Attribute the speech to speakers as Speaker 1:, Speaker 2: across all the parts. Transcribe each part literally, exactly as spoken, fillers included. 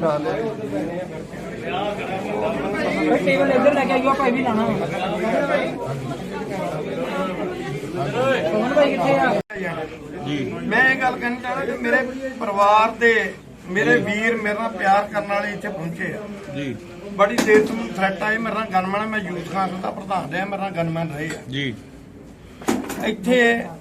Speaker 1: ਬਚਾ ਲਿਆ।
Speaker 2: ਟੇਬਲ ਇੱਧਰ ਲੈ ਕੇ ਆਇਓ ਭਾਈ ਵੀ ਲਾਣਾ ਭਾਈ ਕਿੱਥੇ ਆ
Speaker 3: ਜੀ। ਮੈਂ ਇਹ ਗੱਲ ਕਹਿਣੀ ਚਾਹੁੰਦਾ ਕਿ ਮੇਰੇ ਪਰਿਵਾਰ ਦੇ ਮੇਰੇ ਵੀਰ ਮੇਰੇ ਨਾਲ ਪਿਆਰ ਕਰਨ ਵਾਲੇ ਇੱਥੇ ਪਹੁੰਚੇ ਆ
Speaker 4: ਜੀ।
Speaker 3: ਬੜੀ ਦੇਰ ਤੋਂ ਥ੍ਰੈਟ ਆਏ ਮੇਰੇ ਨਾਲ ਗਨਮੈਨ, ਮੈਂ ਯੂਥ ਕਾਂਗਰਸ ਦਾ ਪ੍ਰਧਾਨ ਰਿਹਾ, ਮੇਰੇ ਨਾਲ ਗਨਮੈਨ ਰਹੇ ਆ
Speaker 4: ਜੀ।
Speaker 3: ਇੱਥੇ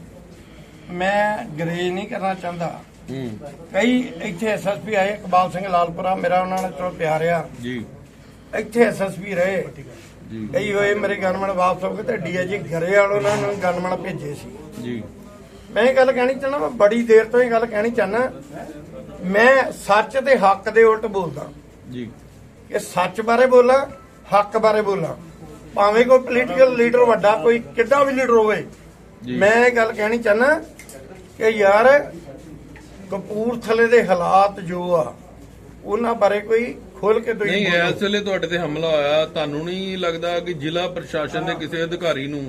Speaker 3: ਮੈਂ ਗਰੇਜ ਨਹੀਂ ਕਰਨਾ ਚਾਹੁੰਦਾ।
Speaker 4: ਹੂੰ
Speaker 3: ਕਈ ਇੱਥੇ ਐਸਐਸਪੀ ਆਏ, ਇਕਬਾਲ ਸਿੰਘ ਲਾਲਪੁਰਾ ਮੇਰਾ ਉਹਨਾਂ ਨਾਲ ਚਲੋ ਪਿਆਰ ਆ
Speaker 4: ਜੀ।
Speaker 3: ਇੱਥੇ ਐਸਐਸਪੀ ਰਹੇ
Speaker 4: ਜੀ
Speaker 3: ਕਈ ਹੋਏ, ਮੇਰੇ ਗਨਮੈਨ ਵਾਪਸ ਹੋ ਗਏ ਤੇ ਡੀਆਈਜੀ ਗਰੇਵਾਲ ਉਹਨਾਂ ਨੂੰ ਗਨਮੈਨ ਭੇਜੇ ਸੀ
Speaker 4: ਜੀ।
Speaker 3: ਮੈਂ ਇਹ ਗੱਲ ਕਹਿਣੀ ਚਾਹੁੰਦਾ, ਮੈਂ ਬੜੀ ਦੇਰ ਤੋਂ ਇਹ ਗੱਲ ਕਹਿਣੀ ਚਾਹੁੰਦਾ, ਮੈਂ ਸੱਚ ਤੇ ਹੱਕ ਦੇ ਉਲਟ ਬੋਲਦਾ
Speaker 4: ਜੀ।
Speaker 3: ਕਿ ਸੱਚ ਬਾਰੇ ਬੋਲਾਂ, ਹੱਕ ਬਾਰੇ ਬੋਲਾਂ, ਭਾਵੇਂ ਕੋਈ ਪੋਲੀਟੀਕਲ ਲੀਡਰ ਵੱਡਾ ਕੋਈ ਕਿੱਡਾ ਵੀ ਲੀਡਰ ਹੋਵੇ। ਮੈਂ ਇਹ ਗੱਲ ਕਹਿਣੀ ਚਾਹੁੰਦਾ ਕਿ ਯਾਰ ਕਪੂਰਥਲੇ ਦੇ ਹਾਲਾਤ ਜੋ ਆ ਉਹਨਾਂ ਬਾਰੇ ਕੋਈ ਖੋਲ ਕੇ ਤੁਸੀਂ
Speaker 4: ਨਹੀਂ, ਇਸ ਵੇਲੇ ਤੁਹਾਡੇ ਤੇ ਹਮਲਾ ਹੋਇਆ, ਤੁਹਾਨੂੰ ਨਹੀਂ ਲੱਗਦਾ ਕਿ ਜ਼ਿਲ੍ਹਾ ਪ੍ਰਸ਼ਾਸਨ ਦੇ ਕਿਸੇ ਅਧਿਕਾਰੀ ਨੂੰ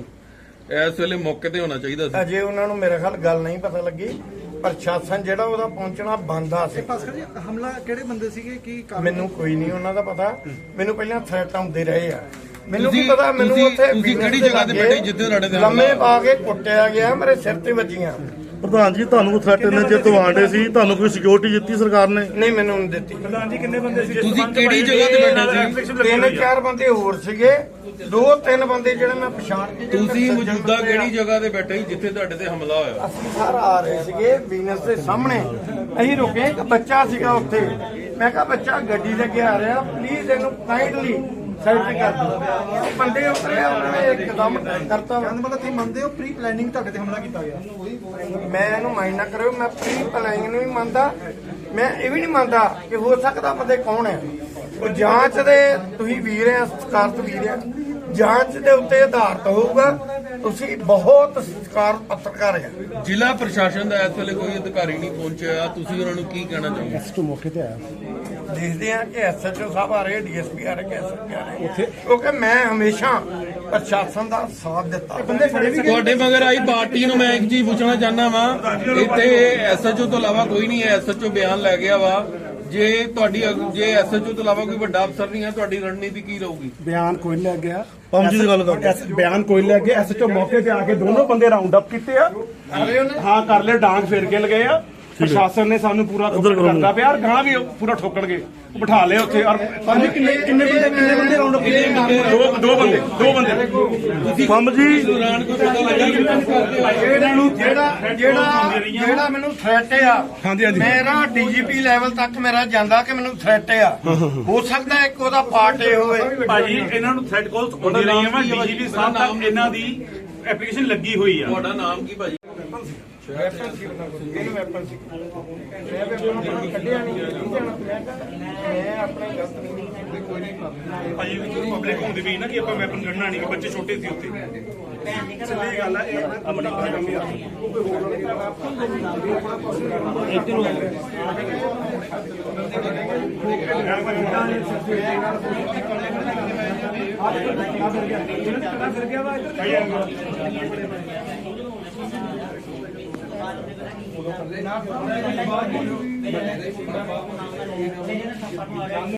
Speaker 4: ਇਸ ਵੇਲੇ ਮੌਕੇ ਤੇ ਹੋਣਾ ਚਾਹੀਦਾ ਸੀ?
Speaker 3: ਅਜੇ ਉਹਨਾਂ ਨੂੰ ਮੇਰੇ ਖਿਆਲ ਗੱਲ ਨਹੀਂ ਪਤਾ ਲੱਗੀ। ਪ੍ਰਸ਼ਾਸਨ ਜਿਹੜਾ ਉਹਦਾ ਪਹੁੰਚਣਾ ਬੰਦਾ ਸੀ।
Speaker 1: ਹਮਲਾ ਕਿਹੜੇ ਬੰਦੇ ਸੀਗੇ ਕੀ
Speaker 3: ਮੈਨੂੰ ਕੋਈ ਨਹੀਂ ਉਹਨਾਂ ਦਾ ਪਤਾ, ਮੈਨੂੰ ਪਹਿਲਾਂ ਥ੍ਰੈਟ ਆਉਂਦੇ ਰਹੇ ਆ। ਮੈਨੂੰ ਕੀ
Speaker 4: ਤੁਸੀਂ-
Speaker 3: ਪਤਾ, ਮੈਨੂੰ
Speaker 4: ਤੁਸੀਂ-
Speaker 3: ਉੱਥੇ
Speaker 4: ਤੁਸੀਂ ਕਿਹੜੀ ਜਗ੍ਹਾ ਤੇ ਬੈਠੇ ਜਿੱਥੇ ਤੁਹਾਡੇ ਤੇ
Speaker 3: ਲੰਮੇ
Speaker 4: ਹਮਲਾ
Speaker 3: ਪਾ ਕੇ ਕੁੱਟਿਆ ਗਿਆ, ਮੇਰੇ ਸਿਰ ਤੇ ਵੱਜੀਆਂ।
Speaker 5: ਪ੍ਰਧਾਨ ਜੀ ਤੁਹਾਨੂੰ ਥ੍ਰੈਟ ਨੇ ਜੇ ਤੁਹਾਡੇ ਸੀ, ਤੁਹਾਨੂੰ ਕੋਈ ਸਿਕਿਉਰਿਟੀ ਦਿੱਤੀ ਸਰਕਾਰ ਨੇ?
Speaker 3: ਨਹੀਂ, ਮੈਨੂੰ ਨਹੀਂ ਦਿੱਤੀ।
Speaker 1: ਪ੍ਰਧਾਨ ਜੀ ਕਿੰਨੇ ਬੰਦੇ ਸੀ?
Speaker 4: ਤੁਸੀਂ ਕਿਹੜੀ ਜਗ੍ਹਾ ਤੇ ਬੈਠੇ ਸੀ?
Speaker 3: ਤਿੰਨ ਚਾਰ ਬੰਦੇ ਹੋਰ ਸੀਗੇ, ਦੋ ਤਿੰਨ ਬੰਦੇ ਜਿਹੜੇ ਮੈਂ ਪਛਾਣ ਕੇ ਜਿਹੜੇ
Speaker 4: ਤੁਸੀਂ
Speaker 3: ਸੱਜਣ
Speaker 4: ਮੌਜੂਦਾ
Speaker 3: ਬੰਦੇ ਆ।
Speaker 4: ਕਿਹੜੀ ਜਗ੍ਹਾ ਤੇ ਬੈਠੇ ਸੀ ਜਿੱਥੇ ਤੁਹਾਡੇ ਤੇ ਹਮਲਾ ਹੋਇਆ?
Speaker 3: ਅਸੀਂ ਸਰ ਆ ਰਹੇ ਸੀਗੇ ਵੀਨਸ ਦੇ ਸਾਹਮਣੇ, ਅਸੀਂ ਰੁਕੇ, ਇੱਕ ਬੱਚਾ ਸੀਗਾ ਉੱਥੇ। ਮੈਂ ਕਿਹਾ ਬੱਚਾ ਗੱਡੀ ਲੈ ਕੇ ਆ ਰਿਹਾ, ਪਲੀਜ਼ ਇਹਨੂੰ ਕਾਈਂਡਲੀ ਸਾਈਡ ਤੇ ਕਰ ਦਿਓ। ਉਹ ਬੰਦੇ ਉਤਰੇ, ਉਹਨਾਂ ਨੇ ਇੱਕਦਮ ਕਰਤਾ।
Speaker 1: ਕਹਿੰਦਾ ਮਤਲਬ ਤੁਸੀਂ ਮੰਨਦੇ ਹੋ ਪ੍ਰੀ ਪਲੈਨਿੰਗ ਤੁਹਾਡੇ ਤੇ ਹਮਲਾ ਕੀਤਾ ਗਿਆ?
Speaker 3: ਮੈਂ ਇਹਨੂੰ ਮਾਈਂਡ ਨਾ ਕਰਿਓ, ਮੈਂ ਪ੍ਰੀ ਪਲਾਨਿੰਗ ਨੂੰ ਵੀ ਮੰਨਦਾ, ਮੈਂ ਇਹ ਵੀ ਨਹੀਂ ਮੰਨਦਾ ਕਿ ਹੋ ਸਕਦਾ ਬੰਦੇ ਕੌਣ ਹੈ। ਉਹ ਜਾਂਚ ਦੇ ਤੁਸੀਂ ਵੀਰ ਆ, ਸਤਿਕਾਰਤ ਵੀਰ ਆ, ਜਾਂਚ ਦੇ ਉੱਤੇ ਆਧਾਰਿਤ ਹੋਊਗਾ। ਤੁਸੀਂ ਬਹੁਤ ਸਤਿਕਾਰ ਪੱਤਰਕਾਰ ਆ।
Speaker 4: ਜ਼ਿਲ੍ਹਾ ਪ੍ਰਸ਼ਾਸਨ ਦਾ ਇਸ ਵੇਲੇ ਕੋਈ ਅਧਿਕਾਰੀ ਨਹੀਂ ਪਹੁੰਚਿਆ, ਤੁਸੀਂ ਉਹਨਾਂ ਨੂੰ ਕੀ ਕਹਿਣਾ ਚਾਹੋਗੇ?
Speaker 5: ਐਸਟੋ ਮੌਕੇ ਤੇ ਆਇਆ।
Speaker 3: ਦੇਖਦੇ ਆ ਕਿ ਐਸਐਚਓ ਸਾਹਿਬ ਆ ਰਹੇ, ਡੀਐਸਪੀ ਆ ਰਹੇ, ਐਸਐਸਪੀ ਆ ਰਹੇ, ਕਿਉਂਕਿ ਮੈਂ ਹਮੇਸ਼ਾ ਪ੍ਰਸ਼ਾਸਨ ਦਾ ਸਾਥ ਦਿੱਤਾ।
Speaker 1: ਬੰਦੇ ਫੜੇ ਵੀ
Speaker 4: ਤੁਹਾਡੇ ਮਗਰ ਆਈ ਪਾਰਟੀ ਨੂੰ ਮੈਂ ਇੱਕ ਚੀਜ਼ ਪੁੱਛਣਾ ਚਾਹੁੰਦਾ ਵਾਂ, ਇੱਥੇ ਐਸਐਚਓ ਤੋਂ ਇਲਾਵਾ ਕੋਈ ਨਹੀਂ ਹੈ, ਐਸਐਚਓ ਬਿਆਨ ਲੈ ਗਿਆ ਵਾ। ਜੇ ਤੁਹਾਡੀ ਜੇ ਐਸਐਚਓ ਤੋਂ ਇਲਾਵਾ ਕੋਈ ਵੱਡਾ ਅਫਸਰ ਨਹੀਂ ਹੈ, ਤੁਹਾਡੀ ਰਣਨੀਤੀ ਕੀ ਰਹੂਗੀ?
Speaker 5: ਬਿਆਨ ਕੋਈ ਲੈ ਗਿਆ, ਪੰਮ ਜੀ ਦੀ ਗੱਲ ਕਰ, ਬਿਆਨ ਕੋਈ ਲੈ ਗਿਆ। ਐਸਐਚਓ ਮੌਕੇ ਤੇ ਆ ਕੇ ਦੋਨੋਂ ਬੰਦੇ ਰਾਉਂਡ ਅਪ ਕੀਤੇ ਆ, ਹਾਂ ਕਰ ਲਿਆ, ਡਾਂਗ ਫੇਰ ਕੇ ਲਗਏ ਆ। ਪ੍ਰਸ਼ਾਸਨ ਨੇ ਸਾਨੂੰ ਪੂਰਾ ਕਰਦਾ ਪਿਆ, ਔਰ ਗਾਂ ਵੀ ਉਹ ਪੂਰਾ ਠੋਕਣਗੇ, ਉਹ ਬਿਠਾ ਲਏ ਉੱਥੇ। ਔਰ ਪੰਜ ਕਿੰਨੇ ਕਿੰਨੇ ਬੰਦੇ ਕਿੰਨੇ ਬੰਦੇ ਰਾਉਂਡ ਅਪ ਕੀਤੇ? ਦੋ ਦੋ ਬੰਦੇ ਦੋ ਬੰਦੇ ਪੰਮ ਜੀ
Speaker 4: ਦੌਰਾਨ ਕੋਈ ਪਤਾ ਲੱਗਾ ਕਿ
Speaker 3: ਇਹਨਾਂ ਨੂੰ ਜਿਹੜਾ ਜਿਹੜਾ ਜਿਹੜਾ ਮੈਨੂੰ ਥ੍ਰੈਟ ਆ,
Speaker 5: ਹਾਂਜੀ, ਹਾਂਜੀ।
Speaker 3: ਮੇਰਾ ਡੀਜੀਪੀ ਲੈਵਲ ਤੱਕ ਮੇਰਾ ਜਾਂਦਾ ਕਿ ਮੈਨੂੰ ਥ੍ਰੈਟ ਆ। ਹੋ ਸਕਦਾ ਇੱਕ ਉਹਦਾ ਪਾਰਟ ਇਹ ਹੋਵੇ।
Speaker 6: ਭਾਜੀ ਇਹਨਾਂ ਨੂੰ ਥ੍ਰੈਡ ਕਾਲਸ ਆਉਂਦੀ ਰਹੀਆਂ ਵਾ, ਡੀਜੀਪੀ ਸਾਹਿਬ ਤੱਕ ਇਹਨਾਂ ਦੀ ਐਪਲੀਕੇਸ਼ਨ ਲੱਗੀ ਹੋਈ ਆ।
Speaker 4: ਤੁਹਾਡਾ ਨਾਮ ਕੀ ਭਾਜੀ?
Speaker 3: ਵੈਪਨ ਸੀ ਉਹਨਾਂ ਕੋਲ, ਇਹਨੂੰ ਵੈਪਨ ਸੀ। ਮੈਂ ਵੈਪਨ ਨੂੰ ਕੱਢਿਆ ਨਹੀਂ, ਨਹੀਂ ਜਾਣਾ। ਮੈਂ ਕਿਹਾ ਮੈਂ ਆਪਣੇ ਗਲਤ ਨਹੀਂ, ਕੋਈ ਨਹੀਂ ਕਰਦਾ।
Speaker 6: ਭਾਜੀ ਵਿੱਚ ਪਬਲਿਕ ਹੁੰਦੀ ਵੀ ਨਾ ਕਿ ਆਪਾਂ ਵੈਪਨ ਕੱਢਣਾ ਨਹੀਂ, ਕਿ ਬੱਚੇ ਛੋਟੇ ਸੀ ਉੱਥੇ।
Speaker 1: ਸਹੀ ਗੱਲ ਹੈ, ਇਹ ਆਪਣਾ ਆਪਣਾ ਕੰਮ ਆ।